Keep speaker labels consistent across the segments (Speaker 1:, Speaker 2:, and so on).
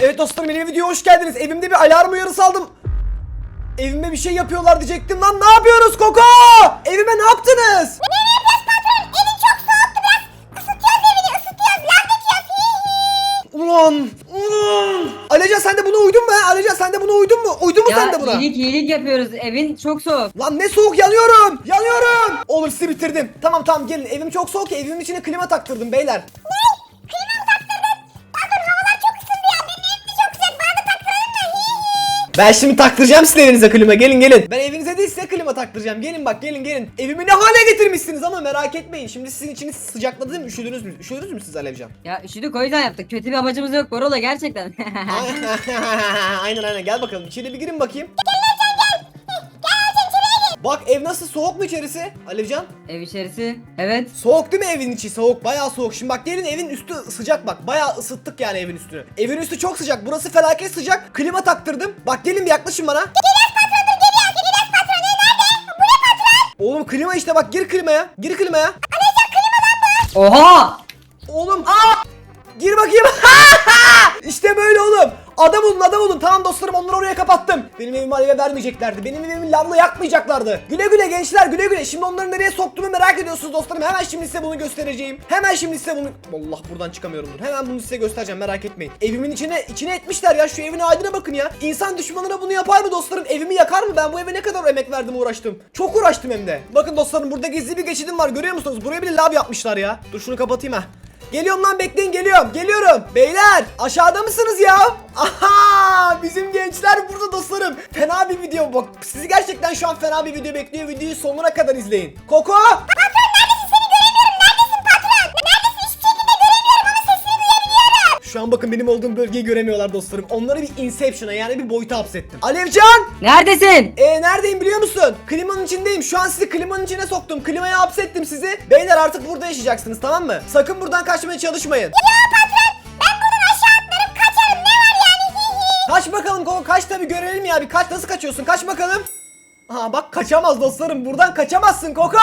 Speaker 1: Evet dostlarım, yeni videoya hoş geldiniz. Evimde bir alarm uyarısı aldım. Evime bir şey yapıyorlar diyecektim lan. Ne yapıyoruz Koko? Evime ne yaptınız?
Speaker 2: Ne yapıyoruz patron? Evin çok soğuktu, biraz ısıtıyoruz, evini ısıtıyoruz, lav döküyoruz.
Speaker 1: Ulan. Alican sen de buna uydun mu he? Alican sen de buna uydun mu? Uydun mu sen de buna?
Speaker 3: iyilik yapıyoruz. Evin çok soğuk.
Speaker 1: Lan ne soğuk, yanıyorum. Yanıyorum. Oğlum sizi bitirdim. Tamam gelin. Evim çok soğuk ya. Evimin içine klima taktırdım beyler.
Speaker 2: Klima mı taktırdın? Patron havalar çok ısındı ya. Benim evim de çok sıcak. Bana da taktıralım mı?
Speaker 1: Ben şimdi taktıracağım sizin evinize klima. Gelin. Ben evinize değil size klima taktıracağım. Gelin bak, gelin. Evimi ne hale getirmişsiniz ama merak etmeyin. Şimdi sizin içiniz sıcakladı değil mi? Üşüdünüz mü? Üşüdünüz mü siz Alevcan?
Speaker 3: Ya üşüdük, o yüzden yaptık. Kötü bir amacımız yok Borola, gerçekten.
Speaker 1: Aynen. Gel bakalım. İçeri bir girin bakayım. Gel. Bak ev nasıl, soğuk mu içerisi Alevcan?
Speaker 3: Ev içerisi. Evet.
Speaker 1: Soğuk değil mi evin içi? Soğuk, bayağı soğuk. Şimdi bak gelin, evin üstü sıcak bak. Bayağı ısıttık yani evin üstünü. Evin üstü çok sıcak. Burası felaket sıcak. Klima taktırdım. Bak gelin bir yaklaşın bana.
Speaker 2: Geliyoruz patron, nerede? Bu ne patron?
Speaker 1: Oğlum klima işte, bak gir klimaya.
Speaker 3: Oha!
Speaker 1: Oğlum gir bakayım. İşte böyle oğlum. Adam olun. Tamam dostlarım, onları oraya kapattım. Benim evimi aleve vermeyeceklerdi. Benim evimi lavla yakmayacaklardı. Güle gençler, güle. Şimdi onları nereye soktuğumu merak ediyorsunuz dostlarım. Hemen şimdi size bunu göstereceğim. Allah, buradan çıkamıyorum. Hemen bunu size göstereceğim, merak etmeyin. Evimin içine etmişler ya. Şu evin haline bakın ya. İnsan düşmanına bunu yapar mı dostlarım? Evimi yakar mı? Ben bu eve ne kadar emek verdim, uğraştım. Çok uğraştım hem de. Bakın dostlarım, burada gizli bir geçidim var, görüyor musunuz? Buraya bile lav yapmışlar ya. Dur şunu kapatayım ha. Geliyorum lan, bekleyin, geliyorum. Beyler aşağıda mısınız ya? Aha, bizim gençler burada dostlarım. Fena bir video bak. Sizi gerçekten şu an fena bir video bekliyor. Videoyu sonuna kadar izleyin. Koko!
Speaker 2: Patron neredesin? Seni göremiyorum. Neredesin patron? Neredesin? Hiçbir şekilde göremiyorum ama sesini duyabiliyorum.
Speaker 1: Şu an bakın benim olduğum bölgeyi göremiyorlar dostlarım. Onları bir Inception'a, yani bir boyuta hapsettim. Alevcan!
Speaker 3: Neredesin?
Speaker 1: Neredeyim biliyor musun? Klimanın içindeyim. Şu an sizi klimanın içine soktum. Klimaya hapsettim sizi. Beyler artık burada yaşayacaksınız, tamam mı? Sakın buradan kaçmaya çalışmayın.
Speaker 2: Ya patron, ben buradan aşağı atlarım, kaçarım. Ne var yani?
Speaker 1: Kaç bakalım Koko, kaç tabi görelim ya. Bir kaç, nasıl kaçıyorsun? Kaç bakalım. Aha bak, kaçamaz dostlarım. Buradan kaçamazsın Koko.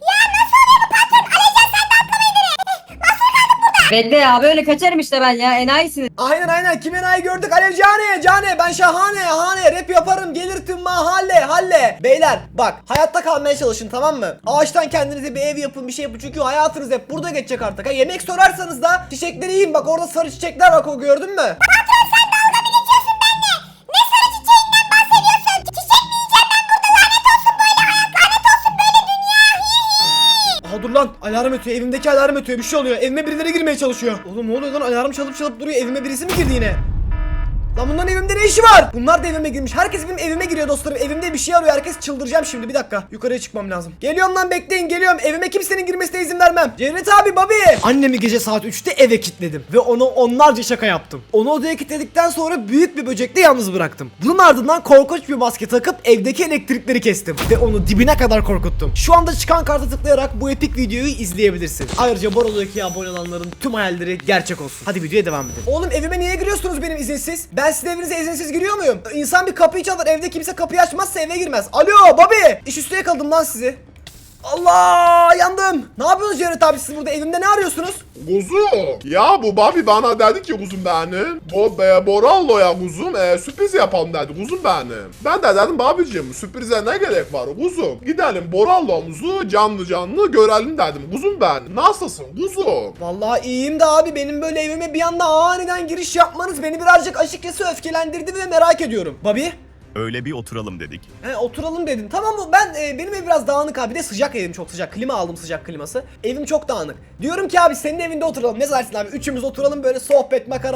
Speaker 3: Bekle ya, böyle kaçarım işte ben ya, enayisiniz.
Speaker 1: Aynen. Kim enayi gördük? Alev cane. Ben şahane. Rap yaparım. Gelir tüm mahalle. Beyler bak, hayatta kalmaya çalışın, tamam mı? Ağaçtan kendinize bir ev yapın, bir şey yapın. Çünkü hayatınız hep burada geçecek artık. Ha, yemek sorarsanız da çiçekleri yiyin. Bak orada sarı çiçekler var, o gördün mü?
Speaker 2: Patron sen dalga mı geçiyorsun benimle? Ne sarı çiçeğinden bahsediyorsun? Çiçek mi yiyeceğim ben burada? Lanet olsun böyle hayat, lanet olsun böyle dünya.
Speaker 1: Aha dur lan, alarm ötüyor, evimdeki alarm ötüyor, bir şey oluyor, evime birileri girmeye çalışıyor. Oğlum ne oluyor lan, alarm çalıp duruyor, evime birisi mi girdi yine? Lan bunların evimde ne işi var? Bunlar da evime girmiş. Herkes benim evime giriyor dostlarım. Evimde bir şey arıyor. Herkes, çıldıracağım şimdi. Bir dakika. Yukarıya çıkmam lazım. Geliyorum lan, bekleyin, geliyorum. Evime kimsenin girmesine izin vermem. Cevdet abi, Bobby. Annemi gece saat 3'te eve kilitledim. Ve ona onlarca şaka yaptım. Onu odaya kilitledikten sonra büyük bir böcekle yalnız bıraktım. Bunun ardından korkunç bir maske takıp evdeki elektrikleri kestim. Ve onu dibine kadar korkuttum. Şu anda çıkan karta tıklayarak bu epik videoyu izleyebilirsin. Ayrıca Borolo'daki abone olanların tüm hayalleri gerçek olsun. Hadi videoya devam edelim. Oğlum evime niye giriyorsunuz benim izinsiz? Ben sizin evinize izinsiz giriyor muyum? İnsan bir kapıyı çalar, evde kimse kapıyı açmazsa eve girmez. Alo Bobby! İş üstü yakaladım lan sizi. Allah, yandım. Ne yapıyorsunuz Cevdet abi, siz burada evimde ne arıyorsunuz?
Speaker 4: Kuzum, ya bu Bobby bana dedi ki kuzum benim, Borallo'ya kuzum sürpriz yapalım dedi kuzum benim. Ben de dedim Bobby'cim, sürprize ne gerek var kuzum? Gidelim Borallo'muzu canlı görelim dedim kuzum ben. Nasılsın kuzum?
Speaker 1: Vallahi iyiyim de abi, benim böyle evime bir anda aniden giriş yapmanız beni birazcık açıkçası öfkelendirdi ve merak ediyorum. Bobby?
Speaker 5: Öyle bir oturalım dedik.
Speaker 1: Oturalım dedin. Tamam mı? Benim ev biraz dağınık abi. Bir de sıcak, evim çok sıcak. Klima aldım, sıcak kliması. Evim çok dağınık. Diyorum ki abi senin evinde oturalım. Ne dersin abi? Üçümüz oturalım, böyle sohbet, makara,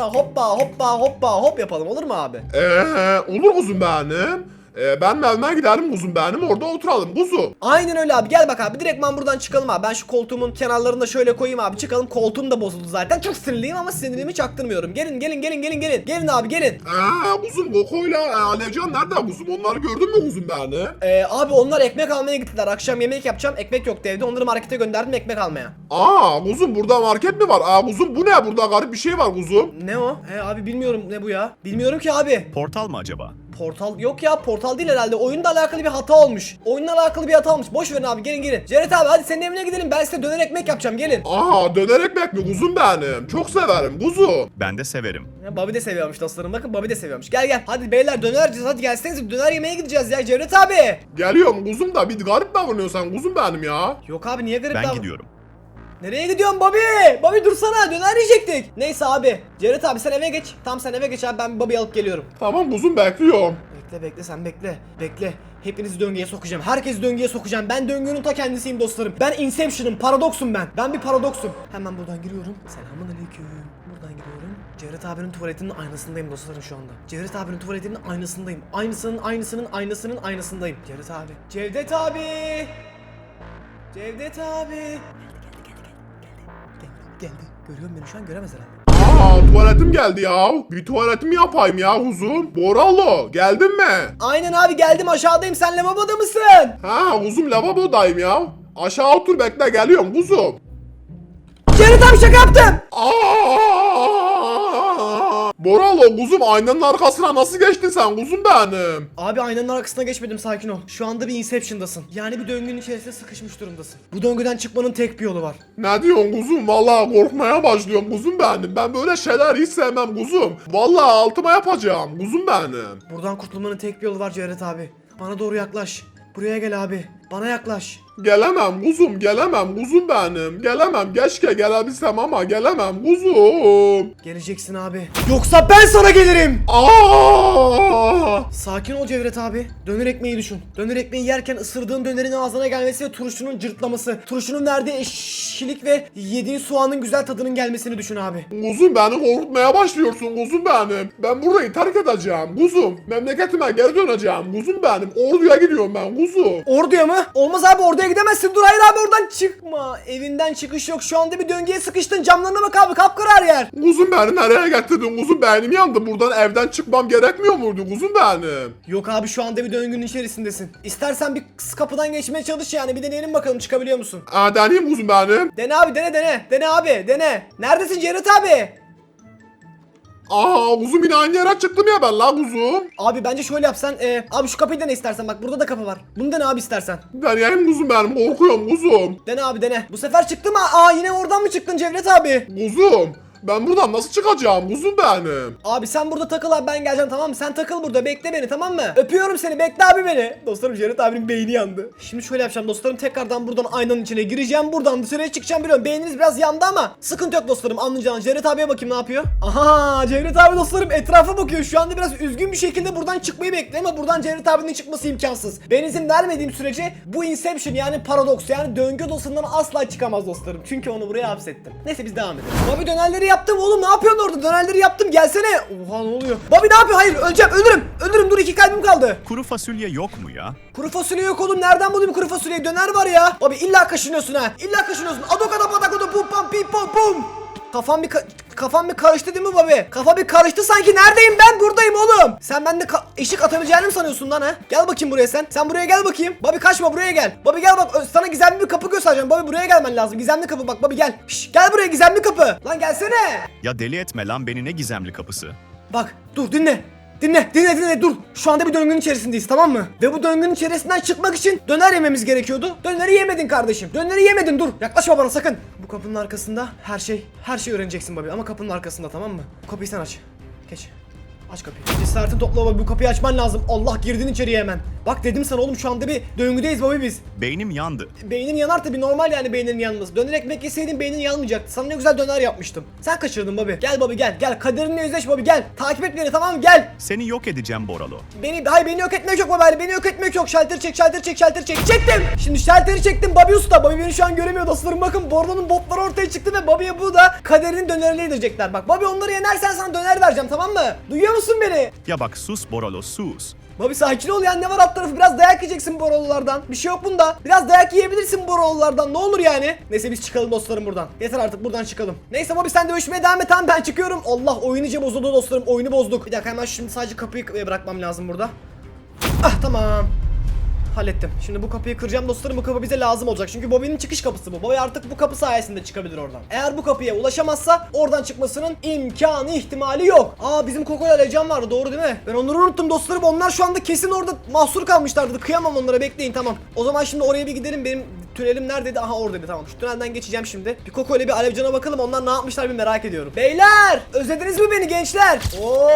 Speaker 1: hop yapalım, olur mu abi?
Speaker 4: Olur kuzum benim. Ben evime gidelim kuzum benim, orada oturalım kuzum.
Speaker 1: Aynen öyle abi, gel bak abi, direktman buradan çıkalım abi. Ben şu koltuğumun kenarlarını da şöyle koyayım abi, çıkalım. Koltuğum da bozuldu zaten, çok sinirliyim ama sinirimi çaktırmıyorum. Gelin abi, gelin.
Speaker 4: Kuzum Goko'yla Alevcan nerede kuzum, onları gördün mü kuzum beni?
Speaker 1: Abi onlar ekmek almaya gittiler, akşam yemek yapacağım, ekmek yoktu evde, onları markete gönderdim ekmek almaya.
Speaker 4: Kuzum burada market mi var? Kuzum bu ne, burada garip bir şey var kuzum.
Speaker 1: Ne o? Abi bilmiyorum ne bu ya, bilmiyorum ki abi.
Speaker 5: Portal mı acaba?
Speaker 1: Portal yok ya, portal değil herhalde. Oyunla alakalı bir hata olmuş. Oyunla alakalı bir hata olmuş. Boş verin abi, gelin. Cevdet abi hadi senin evine gidelim. Ben size döner ekmek yapacağım, gelin.
Speaker 4: Aa, döner ekmek mi kuzum benim? Çok severim kuzum.
Speaker 5: Ben de severim.
Speaker 1: Ya, Bobby de seviyormuş dostlarım. Bakın Bobby de seviyormuş. Gel. Hadi beyler dönerciyiz. Hadi gelsenize, döner yemeye gideceğiz ya Cevdet abi.
Speaker 4: Geliyorum kuzum da bir garip davranıyorsun kuzum benim ya.
Speaker 1: Yok abi, niye garip
Speaker 5: Ben
Speaker 1: davran-
Speaker 5: gidiyorum.
Speaker 1: Nereye gidiyorsun Bobby? Bobby dursana, döner yiyecektik. Neyse abi. Cevdet abi sen eve geç. Tam sen eve geç abi, ben Bobby'yi alıp geliyorum.
Speaker 4: Tamam kuzum, bekliyorum.
Speaker 1: Bekle sen bekle. Hepinizi döngüye sokacağım. Herkesi döngüye sokacağım. Ben döngünün ta kendisiyim dostlarım. Ben Inception'ım, paradoksum ben. Ben bir paradoksum. Hemen buradan giriyorum. Selamünaleyküm. Buradan giriyorum. Cevdet abinin tuvaletinin aynasındayım dostlarım şu anda. Cevdet abinin tuvaletinin aynasındayım. Aynısının aynasındayım. Cevdet abi. Cevdet abi. Geldi. Görüyor musun beni şu an? Göremez herhalde.
Speaker 4: Aa, tuvaletim geldi ya. Bir tuvaletimi yapayım ya kuzum. Borallo, geldin mi?
Speaker 1: Aynen abi, geldim, aşağıdayım. Sen lavaboda mısın?
Speaker 4: Ha kuzum, lavabodayım ya. Aşağı otur, bekle, geliyorum kuzum.
Speaker 1: Cevdet abi şaka yaptım.
Speaker 4: Borallo kuzum, aynanın arkasına nasıl geçtin sen kuzum benim?
Speaker 1: Abi aynanın arkasına geçmedim, sakin ol. Şu anda bir Inception'dasın. Yani bir döngünün içerisinde sıkışmış durumdasın. Bu döngüden çıkmanın tek bir yolu var.
Speaker 4: Ne diyorsun kuzum? Vallahi korkmaya başlıyorum kuzum benim. Ben böyle şeyler hiç sevmem kuzum. Vallahi altıma yapacağım kuzum benim.
Speaker 1: Buradan kurtulmanın tek bir yolu var Cevdet abi. Bana doğru yaklaş. Buraya gel abi. Bana yaklaş.
Speaker 4: Gelemem kuzum benim. Gelemem, keşke gelebilsem ama gelemem kuzum.
Speaker 1: Geleceksin abi. Yoksa ben sana gelirim.
Speaker 4: Aa!
Speaker 1: Sakin ol Cevdet abi. Döner ekmeği düşün. Döner ekmeği yerken ısırdığın dönerin ağzına gelmesi ve turşunun cırtlaması. Turşunun verdiği eşlik ve yediğin soğanın güzel tadının gelmesini düşün abi.
Speaker 4: Kuzum, beni korkutmaya başlıyorsun kuzum benim. Ben burayı terk edeceğim kuzum. Memleketime geri döneceğim kuzum benim. Orduya gidiyorum ben kuzum.
Speaker 1: Orduya mı? Olmaz abi, orduya gidemezsin. Dur, hayır abi, oradan çıkma. Evinden çıkış yok. Şu anda bir döngüye sıkıştın. Camlarına bak abi, kapkarar yer.
Speaker 4: Kuzum, beni nereye getirdin kuzum, benim yandı. Buradan evden çıkmam gerekmiyor muydu kuzum benim?
Speaker 1: Yok abi, şu anda bir döngünün içerisindesin. İstersen bir kapıdan geçmeye çalış yani. Bir deneyelim bakalım, çıkabiliyor musun?
Speaker 4: Deneyeyim kuzum benim.
Speaker 1: Dene abi, dene. Dene abi, dene. Neredesin Cevdet abi?
Speaker 4: Aa kuzum, yine aynı yere çıktım ya ben la kuzum.
Speaker 1: Abi bence şöyle yapsan. Abi şu kapıyı dene istersen. Bak burada da kapı var. Bunu dene abi istersen.
Speaker 4: Deneyeyim kuzum benim, korkuyorum kuzum.
Speaker 1: Dene abi, dene. Bu sefer çıktı mı? Yine oradan mı çıktın Cevdet abi?
Speaker 4: Kuzum, ben buradan nasıl çıkacağım kuzum benim?
Speaker 1: Abi sen burada takıl abi, ben geleceğim, tamam mı? Sen takıl burada, bekle beni, tamam mı? Öpüyorum seni, bekle abi beni. Dostlarım, Cevdet abinin beyni yandı. Şimdi şöyle yapacağım dostlarım, tekrardan buradan aynanın içine gireceğim. Buradan dışarıya çıkacağım, biliyorum beyniniz biraz yandı ama sıkıntı yok dostlarım, anlayacağınız. Cevdet abiye bakayım ne yapıyor. Aha, Cevdet abi dostlarım etrafa bakıyor. Şu anda biraz üzgün bir şekilde buradan çıkmayı bekliyor ama buradan Cevdet abinin çıkması imkansız. Ben izin vermediğim sürece bu Inception yani paradoks yani döngü odasından asla çıkamaz dostlarım. Çünkü onu buraya hapsettim. Neyse biz devam edelim. Abi dönerleri yaptım oğlum, ne yapıyorsun orada? Dönerleri yaptım, gelsene. Oha, ne oluyor? Bobby ne yapıyor? Hayır, öleceğim, ölürüm, dur, 2 kalbim kaldı.
Speaker 5: Kuru fasulye yok mu ya?
Speaker 1: Kuru fasulye yok oğlum, nereden bulayım kuru fasulyeyi? Döner var ya. Bobby illa kaşınıyorsun ha. İlla kaşınıyorsun. Adokada patakoda pum pam pim pom pum. Kafam bir karıştı değil mi Bobby? Kafa bir karıştı sanki. Neredeyim ben? Buradayım oğlum. Sen bende eşik atabileceğini mi sanıyorsun lan ha? Gel bakayım buraya sen. Sen buraya gel bakayım. Bobby kaçma, buraya gel. Bobby gel bak, sana gizemli bir kapı göstereceğim. Bobby buraya gelmen lazım. Gizemli kapı bak Bobby, gel. Şş, gel buraya, gizemli kapı. Lan gelsene.
Speaker 5: Ya deli etme lan beni, ne gizemli kapısı.
Speaker 1: Bak dur, dinle dur. Şu anda bir döngünün içerisindeyiz, tamam mı? Ve bu döngünün içerisinden çıkmak için döner yememiz gerekiyordu. Döneri yemedin kardeşim. Döneri yemedin, dur. Yaklaşma bana sakın. Bu kapının arkasında her şey öğreneceksin Bobby, ama kapının arkasında, tamam mı? Bu kapıyı sen aç. Geç. Aç kapıyı. Cesaretini topla Bobby, bu kapıyı açman lazım. Allah, girdin içeriye hemen. Bak dedim sana oğlum, şu anda bir döngüdeyiz Bobby biz.
Speaker 5: Beynim yandı.
Speaker 1: Beynin yanar tabi, normal yani beynin yanması. Döner ekmek yeseydin beynin yanmayacaktı. Sana ne güzel döner yapmıştım. Sen kaçırdın Bobby. Gel Bobby, gel. Kaderinle yüzleş Bobby, gel. Takip et beni, tamam mı? Gel.
Speaker 5: Seni yok edeceğim Boralo.
Speaker 1: Beni yok etmek yok Bobby. Beni yok etmek yok. Şalteri çek. Çektim. Şimdi şalteri çektim Bobby usta. Bobby beni şu an göremiyor dostlarım. Bakın Borlo'nun botları ortaya çıktı ve Bobby'ye bu da kaderinin dönerini yedirecekler. Bak Bobby, onları yenersen sana döner vereceğim, tamam mı? Duyuyor musun beni?
Speaker 5: Ya bak sus Boralo, sus.
Speaker 1: Bobby sakin ol ya, ne var alt tarafı, biraz dayak yiyeceksin Borolulardan. Bir şey yok bunda. Biraz dayak yiyebilirsin Borolulardan, ne olur yani. Neyse biz çıkalım dostlarım buradan. Yeter artık, buradan çıkalım. Neyse Bobby sen dövüşmeye devam et, tamam ben çıkıyorum. Allah, oyun iyice bozuldu dostlarım, oyunu bozduk. Bir dakika, hemen şimdi sadece kapıyı bırakmam lazım burada. Ah tamam. hallettim. Şimdi bu kapıyı kıracağım dostlarım. Bu kapı bize lazım olacak. Çünkü Bobby'nin çıkış kapısı bu. Bobby artık bu kapı sayesinde çıkabilir oradan. Eğer bu kapıya ulaşamazsa oradan çıkmasının imkanı ihtimali yok. Aa bizim Koko ile Alican vardı, doğru değil mi? Ben onları unuttum dostlarım. Onlar şu anda kesin orada mahsur kalmışlardı. Kıyamam onlara, bekleyin tamam. O zaman şimdi oraya bir gidelim. Benim tünelim neredeydi? Aha oradaydı, tamam. Şu tünelden geçeceğim şimdi. Bir Koko ile bir Alevcan'a bakalım. Onlar ne yapmışlar bir merak ediyorum. Beyler! Özlediniz mi beni gençler? Oo!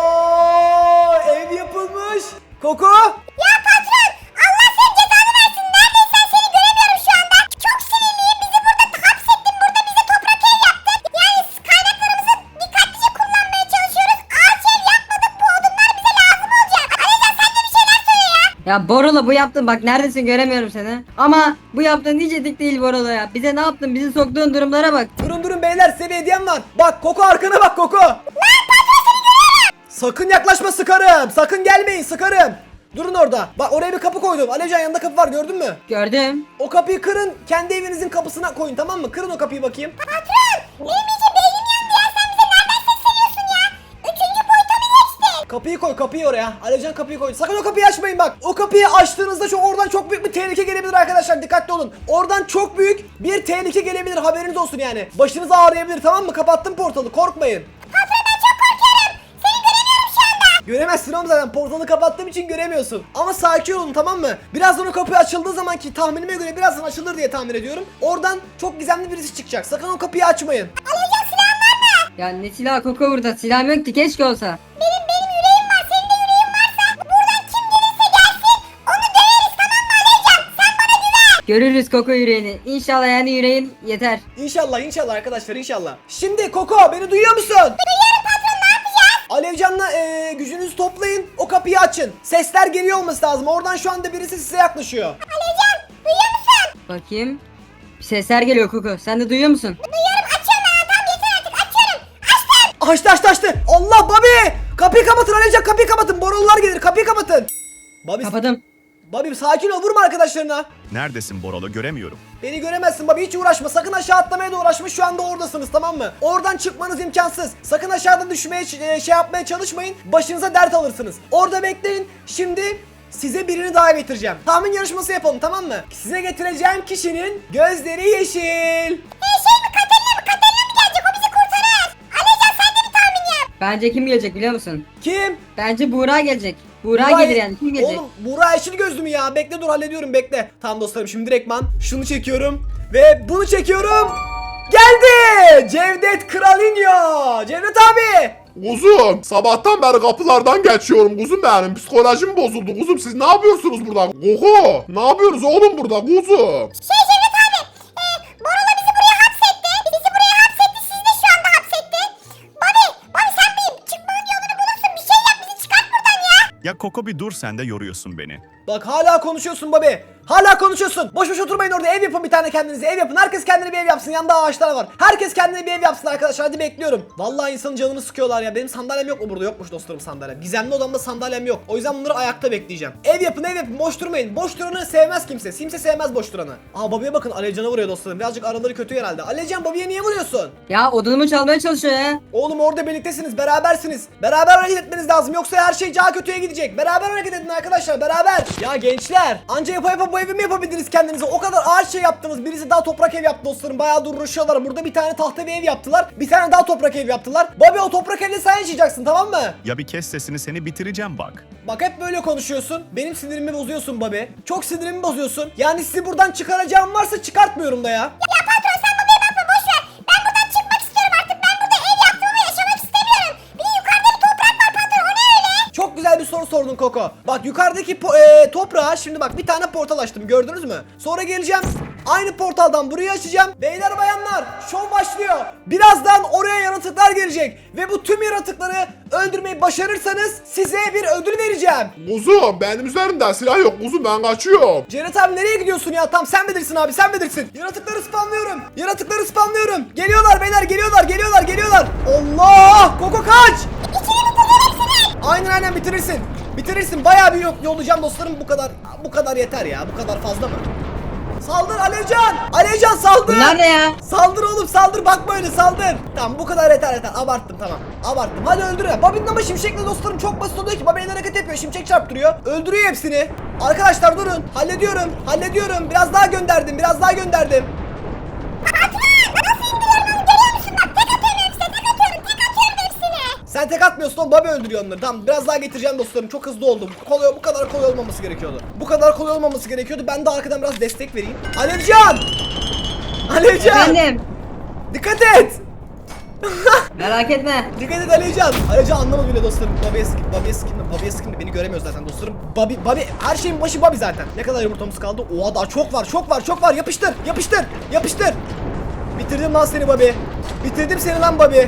Speaker 1: Ev yapılmış. Koko!
Speaker 2: Ya patron, Allah senin cezanı versin. Neredeysen seni göremiyorum şu anda. Çok sinirliyim. Bizi burada hapsettin. Burada bize toprak ev yaptın. Yani kaynaklarımızı dikkatlice kullanmaya çalışıyoruz. Ağaç ev yapmadık. Bu odunlar bize lazım olacak. Alican sen de bir şeyler söyle ya.
Speaker 3: Ya Borolo bu yaptın, bak neredesin göremiyorum seni. Ama bu yaptığın hiç etik değil Borolo ya. Bize ne yaptın? Bizi soktuğun durumlara bak.
Speaker 1: Durun beyler, size bir hediyem var. Bak Koko, arkana bak Koko. Sakın yaklaşma, sıkarım. Sakın gelmeyin, sıkarım. Durun orada. Bak oraya bir kapı koydum. Alevcan yanında kapı var, gördün mü?
Speaker 3: Gördüm.
Speaker 1: O kapıyı kırın, kendi evinizin kapısına koyun, tamam mı? Kırın o kapıyı bakayım.
Speaker 2: Patron, benim iyice beynim yandı ya. Sen bize nereden sesleniyorsun ya? Üçüncü boyuta mı geçtin?
Speaker 1: Kapıyı koy, kapıyı oraya. Alevcan kapıyı koy. Sakın o kapıyı açmayın bak. O kapıyı açtığınızda oradan çok büyük bir tehlike gelebilir arkadaşlar. Dikkatli olun. Oradan çok büyük bir tehlike gelebilir. Haberiniz olsun yani. Başınız ağrıyabilir, tamam mı? Kapattım portalı. Korkmayın.
Speaker 2: Patron ben çok korkuyorum. Seni göremiyorum şu anda.
Speaker 1: Göremezsin oğlum, zaten portalı kapattığım için göremiyorsun. Ama sakin olun, tamam mı? Birazdan o kapı açıldığı zaman, ki tahminime göre birazdan açılır diye tahmin ediyorum. Oradan çok gizemli birisi çıkacak. Sakın o kapıyı açmayın.
Speaker 2: Alican silahın var mı?
Speaker 3: Ya ne silah Koko burada? Silahım yok ki, keşke olsa.
Speaker 2: Benim yüreğim var. Senin de yüreğin varsa buradan kim gelirse gelsin onu döveriz, tamam mı Alican? Sen bana güven.
Speaker 3: Görürüz Koko yüreğini. İnşallah yani yüreğin yeter.
Speaker 1: İnşallah arkadaşlar, inşallah. Şimdi Koko, beni duyuyor musun?
Speaker 2: Duyuyorum patron, ne yapacağız?
Speaker 1: Alevcan'la gücünüzü toplayın. O kapıyı açın. Sesler geliyor olması lazım. Oradan şu anda birisi size yaklaşıyor.
Speaker 2: Alican duyuyor musun?
Speaker 3: Bakayım. Bir sesler geliyor Koko. Sen de duyuyor musun?
Speaker 2: Duyuyorum, açıyorum ben. Tamam yeter artık, açıyorum. Açtım.
Speaker 1: Açtı. Allah, Bobby! Kapıyı kapatın Alevcan, kapıyı kapatın. Borolular gelir, kapıyı kapatın.
Speaker 3: Kapadım.
Speaker 1: Bobby sakin ol, vurma arkadaşlarına.
Speaker 5: Neredesin Boralo, göremiyorum.
Speaker 1: Beni göremezsin Bobby, hiç uğraşma. Sakın aşağı atlamaya da uğraşma. Şu anda oradasınız, tamam mı? Oradan çıkmanız imkansız. Sakın aşağıdan düşmeye şey yapmaya çalışmayın. Başınıza dert alırsınız. Orada bekleyin. Şimdi size birini daha getireceğim. Tahmin yarışması yapalım, tamam mı? Size getireceğim kişinin gözleri yeşil.
Speaker 2: Şey mi, Katerina mı? Katerina mı gelecek? O bizi kurtarır. Alican sen de bir tahmin yap.
Speaker 3: Bence kim gelecek biliyor musun?
Speaker 1: Kim?
Speaker 3: Bence Buğra gelecek. Buğra
Speaker 1: Buğra-
Speaker 3: gelir yani. Kim gelecek?
Speaker 1: Oğlum Buğra yeşil gözlü mü ya? Bekle, dur hallediyorum, bekle. Tamam dostlarım, şimdi direktman şunu çekiyorum ve bunu çekiyorum. Geldi! Cevdet Kralinyo. Cevdet abi.
Speaker 4: Kuzum sabahtan beri kapılardan geçiyorum kuzum benim. Psikolojim bozuldu kuzum. Siz ne yapıyorsunuz burada? Koko ne yapıyorsunuz oğlum burada kuzum?
Speaker 2: Cevdet abi. Borala bizi buraya hapsetti. Bizi buraya hapsetti. Siz de şu anda hapsetti. Bobby sen bir çıkmanın yolunu bulursun. Bir şey yap, bizi çıkart buradan ya.
Speaker 5: Ya Koko bir dur, sen de yoruyorsun beni.
Speaker 1: Bak hala konuşuyorsun Bobby. Hala konuşuyorsun. Boş boş oturmayın orada. Ev yapın bir tane kendinize. Ev yapın. Herkes kendine bir ev yapsın. Yanında ağaçlar var. Herkes kendine bir ev yapsın arkadaşlar. Hadi bekliyorum. Vallahi insanın canını sıkıyorlar ya. Benim sandalyem yok mu burada? Yokmuş dostlarım sandalyem. Gizemli odamda sandalyem yok. O yüzden bunları ayakta bekleyeceğim. Ev yapın, ev yapın. Boş durmayın. Boş duranı sevmez kimse. Kimse sevmez boş duranı. Aa Bobby'ye bakın. Alevcan'a vuruyor dostlarım. Birazcık araları kötü herhalde. Alevcan, Bobby'ye niye vuruyorsun?
Speaker 3: Ya odunumu çalmaya çalışıyor ya.
Speaker 1: Oğlum orada birliktesiniz. Berabersiniz. Beraber hareket etmeniz lazım. Yoksa her şey daha kötüye gidecek. Beraber hareket edin arkadaşlar. Beraber. Ya gençler. Anca yapa bu evi mi yapabildiniz kendinize? O kadar ağaç şey yaptınız. Birisi daha toprak ev yaptı dostlarım. Bayağı uğraşıyorlar. Burada bir tane tahta bir ev yaptılar. Bir tane daha toprak ev yaptılar. Bobby, o toprak evde sen yaşayacaksın, tamam mı?
Speaker 5: Ya bir kes sesini, seni bitireceğim bak.
Speaker 1: Bak hep böyle konuşuyorsun. Benim sinirimi bozuyorsun Bobby. Çok sinirimi bozuyorsun. Yani sizi buradan çıkaracağım varsa çıkartmıyorum da ya.
Speaker 2: Ya patron sen Bobby'ye bakma, boş ver. Ben buradan çıkmak istiyorum artık. Ben burada ev yaptım ama yaşamak istemiyorum. Bir de yukarıda bir toprak var patron. O ne öyle?
Speaker 1: Çok güzel bir soru sordun Koko. Bak yukarıdaki toprağa şimdi bak bir tane portal açtım, gördünüz mü? Sonra geleceğim. Aynı portaldan burayı açacağım. Beyler bayanlar, şov başlıyor. Birazdan oraya yaratıklar gelecek. Ve bu tüm yaratıkları öldürmeyi başarırsanız size bir ödül vereceğim.
Speaker 4: Kuzum benim üzerimde silah yok kuzum, ben kaçıyorum.
Speaker 1: Cevdet abi nereye gidiyorsun ya? Tam sen bilirsin abi, sen bilirsin. Yaratıkları spamlıyorum. Yaratıkları spamlıyorum. Geliyorlar beyler, geliyorlar. Allah! Koko kaç! Aynen bitirirsin. Bitirirsin. Bayağı bir yollayacağım dostlarım, bu kadar yeter ya. Bu kadar fazla mı? Saldır Alevcan. Alevcan saldır.
Speaker 3: Bunlar ne ya?
Speaker 1: Saldır oğlum saldır, bakma öyle, saldır. Tamam bu kadar yeter, abarttım, tamam abarttım, hadi öldür ya. Bobby'nin ama şimşekle dostlarım çok basit oluyor ki. Bobby el hareket yapıyor, şimşek çarptırıyor, öldürüyor hepsini. Arkadaşlar durun, hallediyorum, biraz daha gönderdim. Sen tek atmıyorsun oğlum, Bobby öldürüyor onları. Tamam biraz daha getireceğim dostlarım, çok hızlı oldum. Bu kadar kolay olmaması gerekiyordu. Ben de arkadan biraz destek vereyim. Alevcan!
Speaker 3: Efendim.
Speaker 1: Dikkat et!
Speaker 3: Merak etme.
Speaker 1: Dikkat et Alevcan. Alevcan anlamadı bile dostlarım. Bobby'ye sıkın. Beni göremiyor zaten dostlarım. Bobby her şeyin başı Bobby zaten. Ne kadar yumurtamız kaldı? Oha daha çok var. Yapıştır. Bitirdim lan seni Bobby. Bitirdim seni lan Bobby.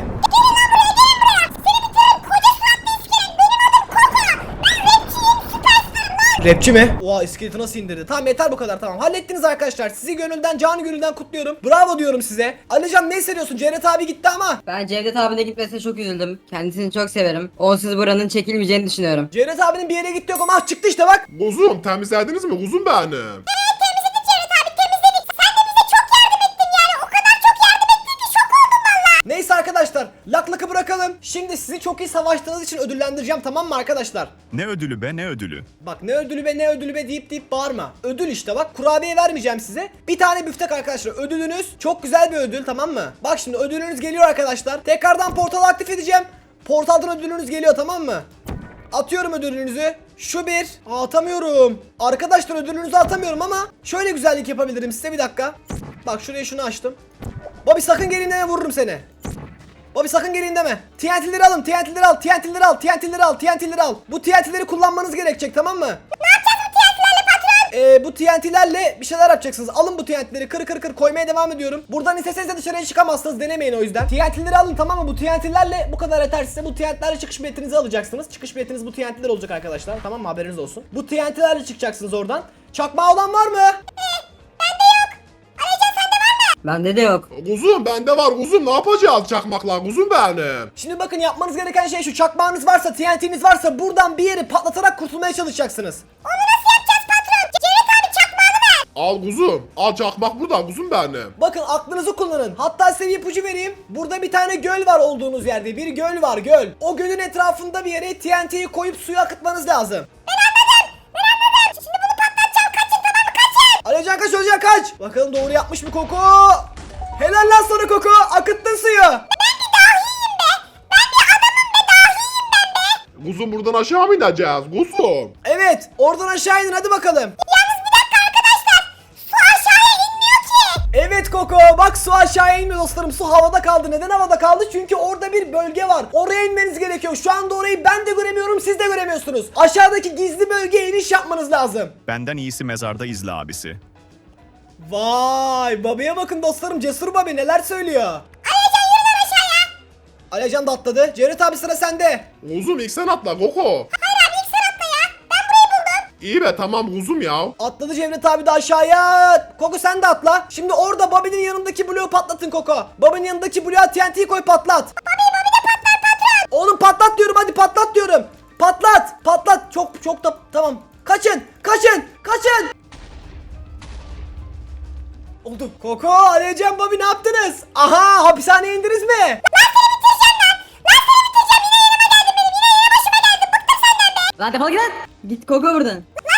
Speaker 1: Rapçi mi? Oha iskeleti nasıl indirdi? Tamam yeter bu kadar, tamam. Hallettiniz arkadaşlar. Sizi canı gönülden kutluyorum. Bravo diyorum size. Alican ne hissediyorsun? Cevdet abi gitti ama.
Speaker 3: Ben Cevdet abine gitmesine çok üzüldüm. Kendisini çok severim. Onsuz buranın çekilmeyeceğini düşünüyorum.
Speaker 1: Cevdet abinin bir yere gitti yok ama çıktı işte bak.
Speaker 4: Kuzum temizlediniz mi kuzum benim?
Speaker 1: Neyse arkadaşlar, laklakı bırakalım. Şimdi sizi çok iyi savaştığınız için ödüllendireceğim, tamam mı arkadaşlar?
Speaker 5: Ne ödülü be, ne ödülü?
Speaker 1: Bak ne ödülü be deyip bağırma. Ödül işte bak, kurabiye vermeyeceğim size. Bir tane büftek arkadaşlar, ödülünüz çok güzel bir ödül, tamam mı? Bak şimdi ödülünüz geliyor arkadaşlar. Tekrardan portalı aktif edeceğim. Portaldan ödülünüz geliyor, tamam mı? Atıyorum ödülünüzü. Şu bir. Atamıyorum. Arkadaşlar ödülünüzü atamıyorum ama şöyle güzellik yapabilirim size, bir dakika. Bak şuraya şunu açtım. Bobby sakın gelin deme, vururum seni. Bobby sakın gelin deme. TNT'leri alın, TNT'leri al. Bu TNT'leri kullanmanız gerekecek, tamam mı? Ne yapacağız bu TNT'lerle patron? Bu TNT'lerle bir şeyler yapacaksınız. Alın bu TNT'leri, kır koymaya devam ediyorum. Buradan isteseniz de dışarıya çıkamazsınız, denemeyin o yüzden. TNT'leri alın, tamam mı? Bu TNT'lerle bu kadar yeter size. Bu TNT'lerle çıkış biletinizi alacaksınız. Çıkış biletiniz bu TNT'ler olacak arkadaşlar. Tamam mı? Haberiniz olsun. Bu TNT'lerle çıkacaksınız oradan. Çakmağı olan var mı?
Speaker 3: Bende de yok.
Speaker 4: Kuzum bende var kuzum, ne yapacağız çakmakla kuzum benim?
Speaker 1: Şimdi bakın, yapmanız gereken şey şu: çakmağınız varsa, TNT'niz varsa buradan bir yeri patlatarak kurtulmaya çalışacaksınız.
Speaker 4: Al kuzum, al çakmak burada kuzum benim.
Speaker 1: Bakın aklınızı kullanın. Hatta size bir ipucu vereyim. Burada bir tane göl var olduğunuz yerde. Bir göl var, göl. O gölün etrafında bir yere TNT'yi koyup suya akıtmanız lazım. Ben anladım. Şimdi bunu patlatacağım. Kaçın, tamam mı? Kaçın. Alican kaç. Bakalım doğru yapmış mı Koko? Helal lan sana Koko. Akıttın suyu.
Speaker 4: Kuzum buradan aşağı mı ineceğiz kuzum?
Speaker 1: Evet. Oradan aşağı inin hadi bakalım. Evet Koko, bak su aşağıya inmiyor dostlarım, su havada kaldı. Neden havada kaldı? Çünkü orada bir bölge var, oraya inmeniz gerekiyor. Şu anda orayı ben de göremiyorum, siz de göremiyorsunuz. Aşağıdaki gizli bölgeye iniş yapmanız lazım.
Speaker 5: Benden iyisi mezarda izle abisi.
Speaker 1: Vay, Bobby'ye bakın dostlarım, cesur Bobby neler söylüyor. Alican da atladı. Cevdet abi sıra sende.
Speaker 4: Kuzum ilk sen atla Koko. İyi be tamam kuzum ya.
Speaker 1: Atladı Cevdet abi de aşağıya. Koko sen de atla. Şimdi orada Bobby'nin yanındaki bloğu patlatın Koko. Bobby'nin yanındaki bloğa TNT'yi koy, patlat. Bobby de patlat patron. Oğlum patlat diyorum, hadi patlat diyorum. Patlat. Çok da tamam. Kaçın. Oldu. Koko, Alevcan, Bobby ne yaptınız? Aha, hapishaneye indiniz mi?
Speaker 3: Lan defol git lan. Git Koko buradan.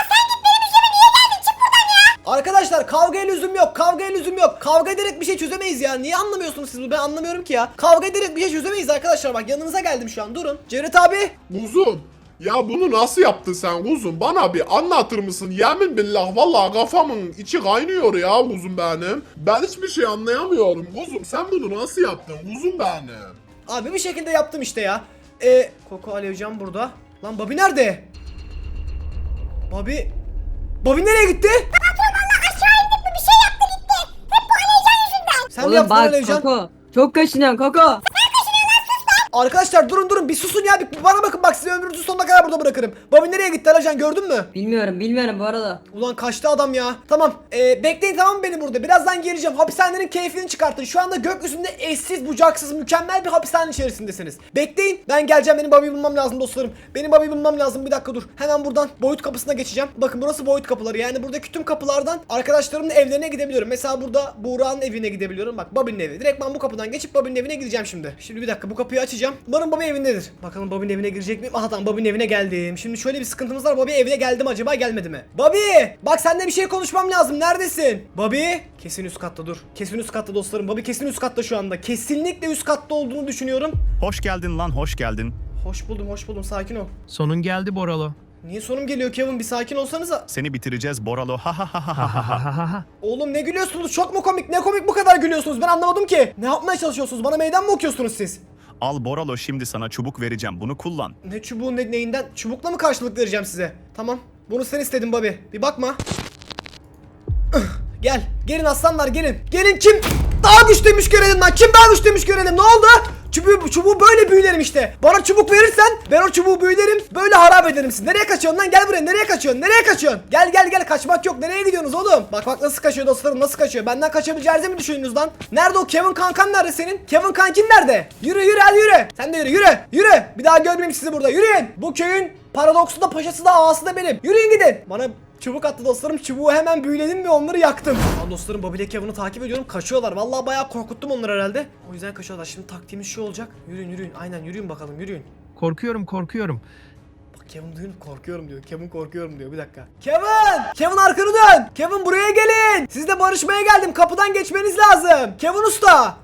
Speaker 1: Arkadaşlar kavgaya lüzum yok. Kavga ederek bir şey çözemeyiz ya. Niye anlamıyorsunuz siz bunu? Ben anlamıyorum ki ya. Kavga ederek bir şey çözemeyiz arkadaşlar. Bak yanınıza geldim şu an. Durun. Cevdet abi.
Speaker 4: Kuzum ya bunu nasıl yaptın sen kuzum? Bana bir anlatır mısın? Yemin billah vallahi kafamın içi kaynıyor ya kuzum benim. Ben hiçbir şey anlayamıyorum kuzum. Sen bunu nasıl yaptın kuzum benim?
Speaker 1: Abi bir şekilde yaptım işte ya. Koko, Alevcan burada. Lan Bobby nerede? Bobby nereye gitti? Sen de
Speaker 3: Oğlum
Speaker 1: yaptın
Speaker 3: bak
Speaker 1: Alevcan.
Speaker 3: Koko. Çok kaşınıyorsun Koko.
Speaker 1: Arkadaşlar durun bir susun ya. Bir bana bakın bak sizi ömrünüzün sonuna kadar burada bırakırım. Bobby nereye gitti Alican gördün mü?
Speaker 3: Bilmiyorum bu arada.
Speaker 1: Ulan kaçtı adam ya. Tamam. Bekleyin tamam mı beni burada? Birazdan geleceğim. Hapishanenin keyfini çıkartın. Şu anda gökyüzünde eşsiz bucaksız mükemmel bir hapishane içerisindesiniz. Bekleyin. Ben geleceğim. Benim Bobby'yi bulmam lazım dostlarım. Benim Bobby'yi bulmam lazım. Bir dakika dur. Hemen buradan boyut kapısına geçeceğim. Bakın burası boyut kapıları. Yani buradaki tüm kapılardan arkadaşlarımın evlerine gidebiliyorum. Mesela burada Buğra'nın evine gidebiliyorum. Bak Bobby'nin evi. Direkt ben bu kapıdan geçip Bobby'nin evine gideceğim şimdi. Şimdi bir dakika bu kapıyı açacağım. Umarım Bobby evindedir. Bakalım Bobby'nin evine girecek miyim? Aha tamam Bobby'nin evine geldim. Şimdi şöyle bir sıkıntımız var. Bobby evine geldim acaba gelmedi mi? Bobby! Bak seninle bir şey konuşmam lazım. Neredesin? Bobby! Kesin üst katta dur. Kesin üst katta dostlarım. Bobby kesin üst katta şu anda. Kesinlikle üst katta olduğunu düşünüyorum.
Speaker 5: Hoş geldin lan hoş geldin.
Speaker 1: Hoş buldum. Sakin ol.
Speaker 6: Sonun geldi Boralo.
Speaker 1: Niye sonum geliyor Kevin? Bir sakin olsanıza.
Speaker 5: Seni bitireceğiz Boralo ha ha ha ha ha ha.
Speaker 1: Oğlum ne gülüyorsunuz? Çok mu komik? Ne komik bu kadar gülüyorsunuz? Ben anlamadım ki. Ne yapmaya çalışıyorsunuz? Bana meydan mı okuyorsunuz siz?
Speaker 5: Al Boralo şimdi sana çubuk vereceğim bunu kullan.
Speaker 1: Ne çubuğun neyinden? Çubukla mı karşılık vereceğim size? Tamam. Bunu sen istedin Bobby. Bir bakma. Gel. Gelin aslanlar gelin. Gelin kim daha güçlüymüş görelim lan. Kim daha güçlüymüş görelim. Ne oldu? Çubuğu böyle büyülerim işte. Bana çubuk verirsen ben o çubuğu büyülerim. Böyle harap ederim sizi. Nereye kaçıyorsun lan? Gel buraya. Nereye kaçıyorsun? Nereye kaçıyorsun? Gel kaçmak yok. Nereye gidiyorsunuz oğlum? Bak nasıl kaçıyor dostlarım. Nasıl kaçıyor? Benden kaçabileceğinizi mi düşünüyorsunuz lan? Nerede o Kevin kankan nerede senin? Kevin kankin nerede? Yürü hadi yürü. Sen de yürü. Bir daha görmeyeyim sizi burada. Yürüyün. Bu köyün paradoksu da paşası da ağası da benim. Yürüyün gidin. Bana çubuk attı dostlarım. Çubuğu hemen büyüledim ve onları yaktım. Aa, dostlarım Bobby ile Kevin'i takip ediyorum. Kaçıyorlar. Vallahi bayağı korkuttum onları herhalde. O yüzden kaçıyorlar. Şimdi taktiğimiz şu olacak. Yürüyün. Aynen yürüyün bakalım yürüyün.
Speaker 6: Korkuyorum.
Speaker 1: Bak Kevin duyun korkuyorum diyor. Kevin korkuyorum diyor. Bir dakika. Kevin arkanı dön. Kevin buraya gelin. Sizle barışmaya geldim. Kapıdan geçmeniz lazım. Kevin usta.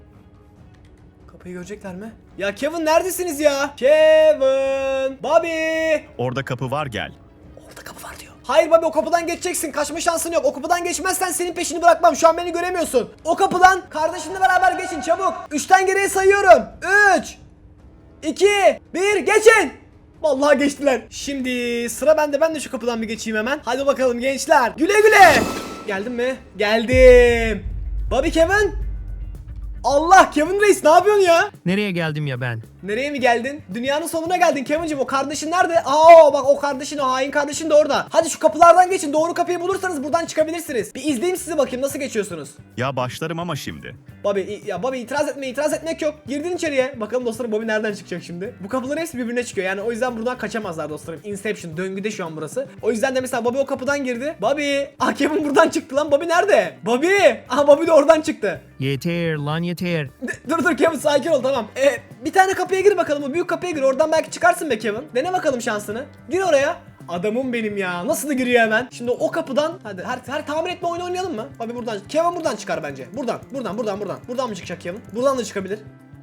Speaker 1: Kapıyı görecekler mi? Ya Kevin neredesiniz ya? Kevin. Bobby.
Speaker 5: Orada kapı var gel.
Speaker 1: Orada kapı var diyor. Hayır Bobby o kapıdan geçeceksin. Kaçma şansın yok. O kapıdan geçmezsen senin peşini bırakmam. Şu an beni göremiyorsun. O kapıdan kardeşinle beraber geçin çabuk. 3'ten geriye sayıyorum. 3 2 1 geçin. Vallahi geçtiler. Şimdi sıra bende. Ben de şu kapıdan bir geçeyim hemen. Hadi bakalım gençler. Güle. Geldin mi? Geldim. Bobby Kevin. Allah Kevin Reis ne yapıyorsun ya?
Speaker 6: Nereye geldim ya ben?
Speaker 1: Nereye mi geldin? Dünyanın sonuna geldin Kevin'cim. O kardeşin nerede? Aa bak o kardeşin, o hain kardeşin de orada. Hadi şu kapılardan geçin. Doğru kapıyı bulursanız buradan çıkabilirsiniz. Bir izleyeyim sizi bakayım nasıl geçiyorsunuz.
Speaker 5: Ya başlarım ama şimdi.
Speaker 1: Bobby itiraz etmek yok. Girdin içeriye. Bakalım dostlarım Bobby nereden çıkacak şimdi? Bu kapıların hepsi birbirine çıkıyor. Yani o yüzden buradan kaçamazlar dostlarım. Inception döngüde şu an burası. O yüzden de mesela Bobby o kapıdan girdi. Bobby. Ah Kevin buradan çıktı lan. Bobby nerede? Bobby. Ah Bobby de oradan çıktı.
Speaker 6: Yeter lan yeter.
Speaker 1: Dur Kevin sakin ol tamam. Bir tane kapıya gir bakalım, o büyük kapıya gir, oradan belki çıkarsın be Kevin. Dene bakalım şansını. Gir oraya. Adamım benim ya. Nasıl da giriyor hemen. Şimdi o kapıdan hadi her tahmin etme oyunu oynayalım mı? Abi buradan. Kevin buradan çıkar bence. Buradan. Buradan mı çıkacak Kevin? Buradan da çıkabilir.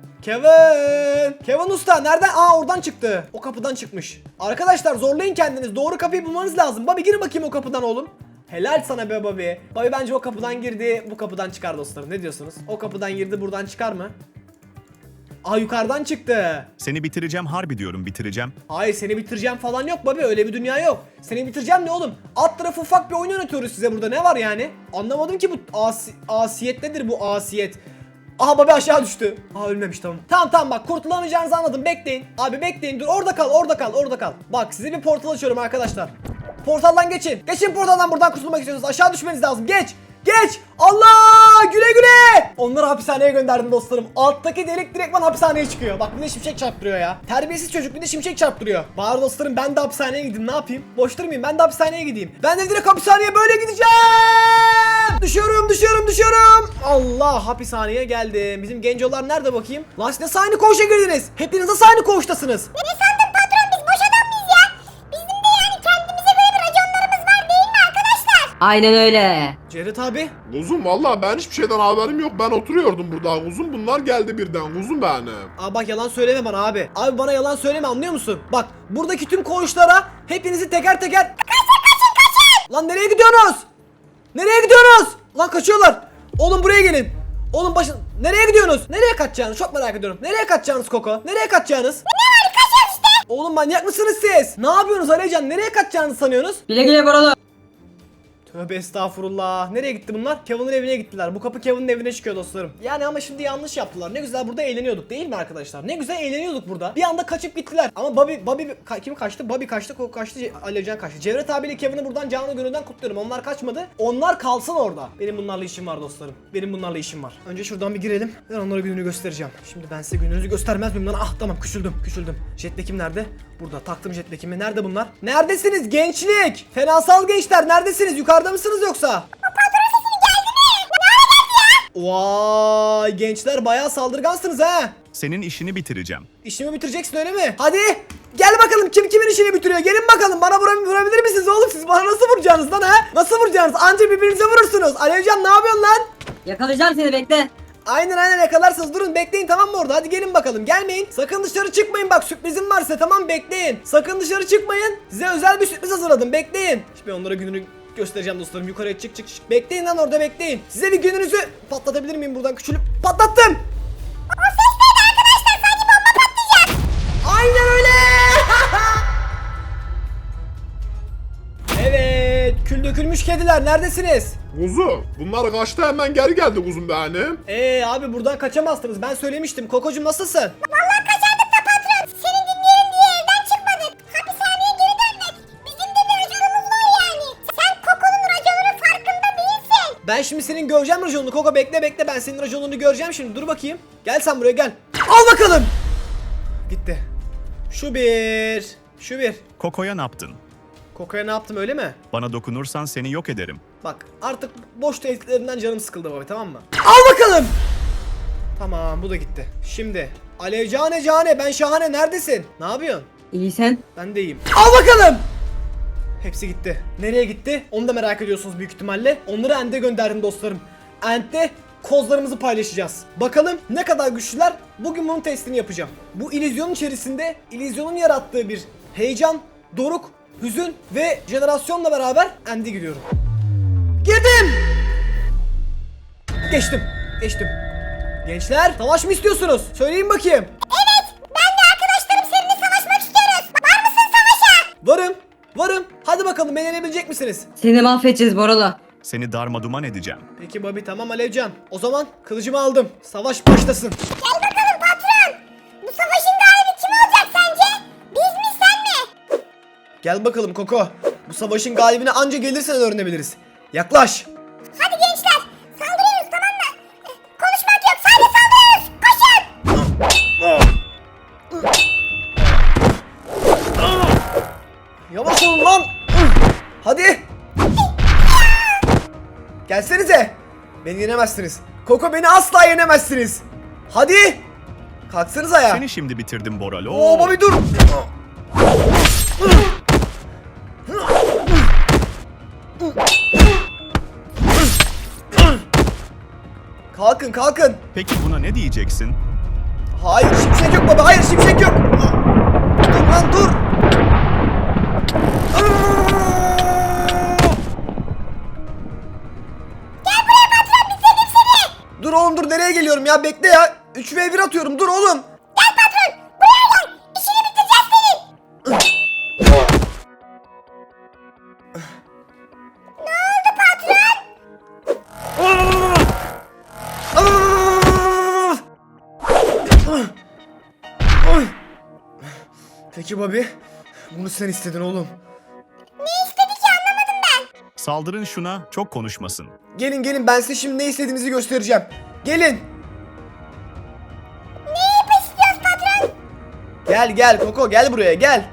Speaker 1: Kevin usta nereden? Aa oradan çıktı. O kapıdan çıkmış. Arkadaşlar zorlayın kendiniz. Doğru kapıyı bulmanız lazım. Bobby gir bakayım o kapıdan oğlum. Helal sana be Bobby. Bobby bence o kapıdan girdi. Bu kapıdan çıkar dostlarım. Ne diyorsunuz? O kapıdan girdi, buradan çıkar mı? Aa yukarıdan çıktı.
Speaker 5: Seni bitireceğim harbi diyorum bitireceğim.
Speaker 1: Hayır seni bitireceğim falan yok Bobby, öyle bir dünya yok. Seni bitireceğim ne oğlum? Alt tarafı ufak bir oyun yönetiyoruz size burada, ne var yani? Anlamadım ki bu asiyet nedir bu asiyet? Aha Bobby aşağı düştü. Aa ölmemiş tamam. Tamam bak kurtulamayacağınızı anladım, bekleyin. Abi bekleyin, dur orada kal. Bak size bir portal açıyorum arkadaşlar. Portaldan geçin. Geçin portaldan, buradan kurtulmak istiyorsunuz. Aşağı düşmeniz lazım. Geç. Allah güle. Onları hapishaneye gönderdim dostlarım. Alttaki delik direktman hapishaneye çıkıyor. Bak bir de şimşek çarptırıyor ya. Terbiyesiz çocuk bir de şimşek çarptırıyor. Bari dostlarım ben de hapishaneye gideyim, ne yapayım? Boş durmayayım, ben de hapishaneye gideyim. Ben de direkt hapishaneye böyle gideceğim. Düşüyorum. Allah hapishaneye geldim. Bizim gencolar nerede bakayım? Lan siz nasıl aynı koğuşa girdiniz? Hepiniz nasıl aynı koğuştasınız?
Speaker 2: Ne sandın patron, biz boş adam mıyız ya? Bizim de yani kendimize göre bir raconlarımız var değil mi arkadaşlar?
Speaker 3: Aynen öyle.
Speaker 1: Cevdet abi.
Speaker 4: Kuzum valla ben hiçbir şeyden haberim yok. Ben oturuyordum burada kuzum. Bunlar geldi birden kuzum benim.
Speaker 1: Aa bak yalan söyleme bana abi. Abi bana yalan söyleme, anlıyor musun? Bak buradaki tüm koğuşlara hepinizi teker teker... Kaçın! Lan nereye gidiyorsunuz? Lan kaçıyorlar. Oğlum buraya gelin. Oğlum nereye gidiyorsunuz? Nereye kaçacaksınız? Çok merak ediyorum. Nereye kaçacaksınız Koko? Nereye kaçacaksınız? Ne var, kaçıyoruz işte. Oğlum manyak mısınız siz? Ne yapıyorsunuz Aleycan? Nereye kaçacağınızı sanıyorsunuz?
Speaker 3: Güle Boralo.
Speaker 1: Tövbe estağfurullah. Nereye gitti bunlar? Kevin'in evine gittiler. Bu kapı Kevin'in evine çıkıyor dostlarım. Yani ama şimdi yanlış yaptılar. Ne güzel burada eğleniyorduk değil mi arkadaşlar? Ne güzel eğleniyorduk burada. Bir anda kaçıp gittiler. Ama kim kaçtı? Bobby kaçtı, Koko kaçtı, Alevcan kaçtı. Cevdet abiyle Kevin'i buradan canı gönülden kutluyorum. Onlar kaçmadı. Onlar kalsın orada. Benim bunlarla işim var dostlarım. Benim bunlarla işim var. Önce şuradan bir girelim. Ben onlara gününü göstereceğim. Şimdi ben size gününüzü göstermez miyim lan? Ah tamam, küçüldüm. Jetpack'im nerede? Burada taktım jetpack'imi. Nerede bunlar? Neredesiniz gençlik? Fenasal gençler neredesiniz? Yukarıda mısınız yoksa? Vay gençler, bayağı saldırgansınız ha.
Speaker 5: Senin işini bitireceğim.
Speaker 1: İşimi bitireceksin öyle mi? Hadi gel bakalım, kim kimin işini bitiriyor? Gelin bakalım, bana vurabilir misiniz oğlum? Siz bana nasıl vuracaksınız lan ha? Nasıl vuracaksınız? Anca birbirinize vurursunuz. Alevcan ne yapıyorsun lan?
Speaker 3: Yakalayacağım seni, bekle.
Speaker 1: Aynen yakalarsınız, durun bekleyin tamam mı orada? Hadi gelin bakalım, gelmeyin. Sakın dışarı çıkmayın, bak sürprizim var size, tamam bekleyin. Sakın dışarı çıkmayın. Size özel bir sürpriz hazırladım, bekleyin. Şimdi onlara gününü göstereceğim dostlarım. Yukarıya çık. Bekleyin lan orada, bekleyin. Size bir gününüzü patlatabilir miyim buradan, küçülüp? Patlattım.
Speaker 2: O ses neydi arkadaşlar? Sanki bomba patlayacak.
Speaker 1: Aynen öyle. Evet, kül dökülmüş kediler neredesiniz?
Speaker 4: Kuzum bunlar kaçtı, hemen geri geldi kuzum benim.
Speaker 1: Abi buradan kaçamazsınız, ben söylemiştim. Kokocuğum nasılsın?
Speaker 2: Vallahi kaçardık da patron. Seni dinleyelim diye evden çıkmadık. Hapishaneye geri dönmek. Bizim de bir raconumuz var yani. Sen Koko'nun raconunun farkında değilsin.
Speaker 1: Ben şimdi senin göreceğim raconunu. Koko bekle, ben senin raconunu göreceğim şimdi. Dur bakayım. Gel sen buraya, gel. Al bakalım. Gitti. Şu bir.
Speaker 5: Koko'ya ne yaptın?
Speaker 1: Koko'ya ne yaptım öyle mi?
Speaker 5: Bana dokunursan seni yok ederim.
Speaker 1: Bak artık boş tehditlerinden canım sıkıldı baba, tamam mı? Al bakalım. Tamam, bu da gitti. Şimdi Alevcane ben şahane, neredesin? Ne yapıyorsun?
Speaker 3: İyi sen?
Speaker 1: Ben de iyiyim. Al bakalım. Hepsi gitti. Nereye gitti? Onu da merak ediyorsunuz büyük ihtimalle. Onları End'e gönderdim dostlarım. End'de kozlarımızı paylaşacağız. Bakalım ne kadar güçlüler. Bugün bunun testini yapacağım. Bu illüzyonun içerisinde illüzyonun yarattığı bir heyecan, doruk, hüzün ve jenerasyonla beraber End'e giriyorum. Girdim. Geçtim. Gençler, savaş mı istiyorsunuz? Söyleyin bakayım.
Speaker 2: Evet, ben de arkadaşlarım seninle savaşmak istiyoruz. Var mısın savaşa?
Speaker 1: Varım. Hadi bakalım, beni yenebilecek misiniz?
Speaker 3: Seni mahvedeceğiz Boralo.
Speaker 5: Seni darmaduman edeceğim.
Speaker 1: Peki Bobby, tamam Alevcan. O zaman kılıcımı aldım. Savaş başlasın.
Speaker 2: Gel bakalım patron. Bu savaşın galibi kim olacak sence? Biz mi sen mi?
Speaker 1: Gel bakalım Koko. Bu savaşın galibini anca gelirsen öğrenebiliriz. Yaklaş.
Speaker 2: Hadi gençler, saldırıyoruz tamam mı? Konuşmak yok, sadece saldırıyoruz. Koşun.
Speaker 1: Yavaş olun lan. Hadi. Gelsenize. Beni yenemezsiniz. Koko, beni asla yenemezsiniz. Hadi. Kalksanıza ya.
Speaker 5: Seni şimdi bitirdim Boralo.
Speaker 1: Oo Bobby dur. Kalkın.
Speaker 5: Peki buna ne diyeceksin?
Speaker 1: Hayır, şimşek yok baba. Hayır, şimşek yok. Dur lan dur. Dur oğlum dur, nereye geliyorum ya, bekle ya. 3v1 atıyorum, dur oğlum.
Speaker 2: Gel patron, buraya gel. İşini bitireceğiz senin. Ne oldu patron?
Speaker 1: Peki Bobby, bunu sen istedin oğlum.
Speaker 2: Ne istedi ki anlamadım ben.
Speaker 5: Saldırın şuna, çok konuşmasın.
Speaker 1: Gelin, ben size şimdi ne istediğimizi göstereceğim. Gelin.
Speaker 2: Ne yapı istiyoruz patron?
Speaker 1: Gel Koko, gel buraya gel.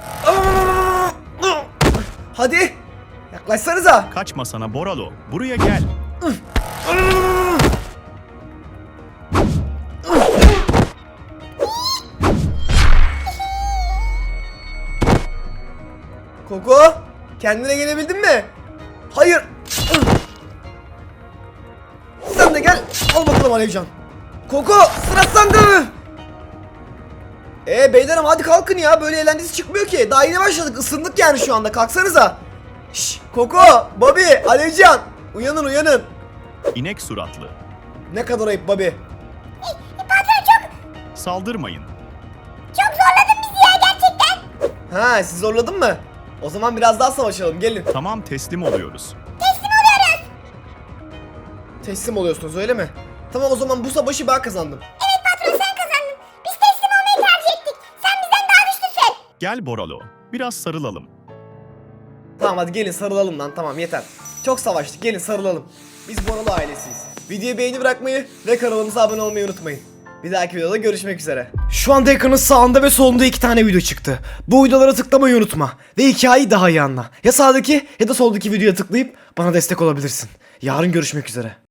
Speaker 1: Hadi. Yaklaşsanıza.
Speaker 5: Kaçma sana Boralo. Buraya gel.
Speaker 1: Koko, kendine gelebildin mi? Hayır. Sen de gel. Al bakalım Alevcan. Koko, sıra sende. Beylerim hadi kalkın ya. Böyle eğlencesi çıkmıyor ki. Daha yeni başladık. Isındık yani şu anda. Kalksanıza. Şşş, Koko, Bobby, Alevcan. Uyanın.
Speaker 5: İnek suratlı.
Speaker 1: Ne kadar ayıp Bobby.
Speaker 2: Patron çok
Speaker 5: Saldırmayın.
Speaker 2: zorladın bizi ya gerçekten.
Speaker 1: Ha, siz zorladın mı? O zaman biraz daha savaşalım, gelin.
Speaker 5: Tamam, teslim oluyoruz.
Speaker 2: Teslim
Speaker 1: Teslim oluyorsunuz öyle mi? Tamam o zaman bu savaşı ben kazandım.
Speaker 2: Evet patron sen kazandın. Biz teslim olmayı tercih ettik. Sen bizden daha güçlüsün.
Speaker 5: Gel Boralo, biraz sarılalım.
Speaker 1: Tamam hadi gelin sarılalım lan, tamam yeter. Çok savaştık, gelin sarılalım. Biz Boralo ailesiyiz. Videoya beğeni bırakmayı ve kanalımıza abone olmayı unutmayın. Bir dahaki videoda görüşmek üzere. Şu anda ekranın sağında ve solunda 2 tane video çıktı. Bu videolara tıklamayı unutma ve hikayeyi daha iyi anla. Ya sağdaki ya da soldaki videoya tıklayıp bana destek olabilirsin. Yarın görüşmek üzere.